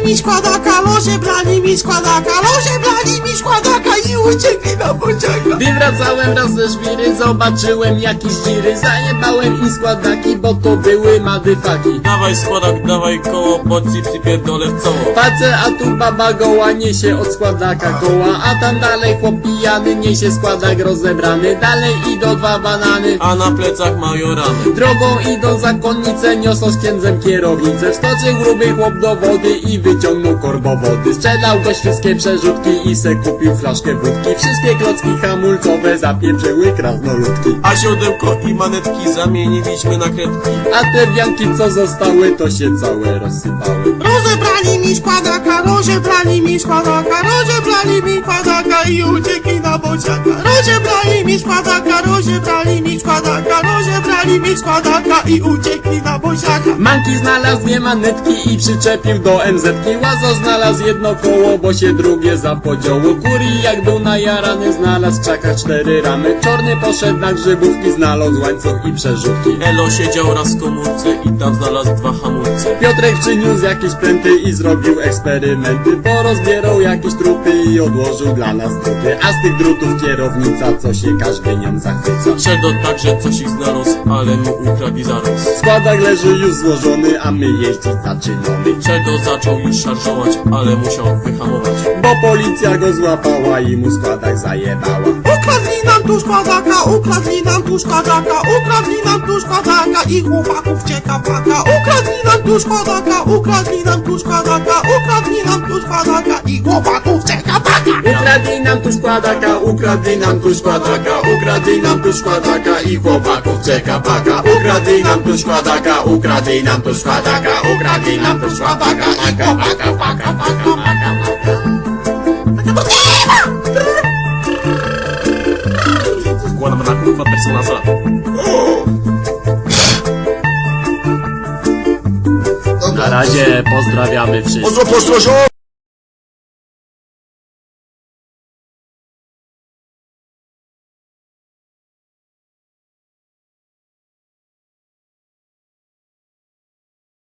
mi składaka, loże brali mi składaka, loże brali mi składaka i uciekli na pociągu. Gdy wracałem raz ze żwiry, zobaczyłem jakieś dziry. Zajebałem im składaki, bo to były madyfaki. Dawaj składak, dawaj koło, bo ci przypierdolę w coło. Patrzę, a tu baba goła niesie od składaka koła, a tam dalej chłop pijany niesie składak rozebrany. Dalej idą dwa banany, A na plecach mają rany. drogą idą zakonnice, niosą z księdzem kierownicę. Wskoczył gruby chłop do wody i wyciągnął korbo wody. Sprzedał go wszystkie przerzutki i se kupił flaszkę wódki. Wszystkie klocki hamulcowe zapieprzyły krasnoludki. A siodełko i manetki zamieniliśmy na kredki. A te wianki co zostały, to się całe rozsypały. Rozebrali mi składaka, rozebrali mi składaka, rozebrali mi składaka i uciekli na bociaka. Rozebrali mi składaka, rozebrali mi składaka, rozebrali mi składaka i uciekli na bociaka. Manki znalazł dwie manetki i przyczepił do MZ-ki. Łazo znalazł jedno koło, bo się drugie zapodziało. Kuri jak był najarany, znalazł w krzakach 4 ramy. Czorny poszedł na grzybówki, znalazł łańcuch i przerzutki. Elo siedział raz w komórce i tam znalazł 2 hamulce. Piotrek przyniósł jakieś pręty i zrobił eksperymenty. Porozbierał jakieś trupy i odłożył dla nas druty. A z tych drutów kierownica, co się każdy nią zachwyca. Szedł także coś ich znalazł, ale mu ukradli zaraz. Składak leży już złożony, a my jeździć zaczynamy. Czego zaczął już szarżować, ale musiał wyhamować. Bo policja go złapała i mu składak zajebała. Ukradli nam tu składaka, ukradli nam tu składaka, ukradli nam tu składaka i chłopaków cieka paka. Ukradli nam tu składaka, ukradli nam tu składaka, ukradli nam tu składaka i chłopaków cieka paka. Ukradli nam tu składaka, ukradli nam tu składaka, ukradli nam tu składaka i chłopaków czeka paka. Ukradli nam tu składaka, ukradli nam tu składaka, ukradli nam tu składaka i chłopaka paka, paka, paka, paka. Składam na kurwa personaza. Na razie pozdrawiamy wszystkich. Pozdro, pozdro,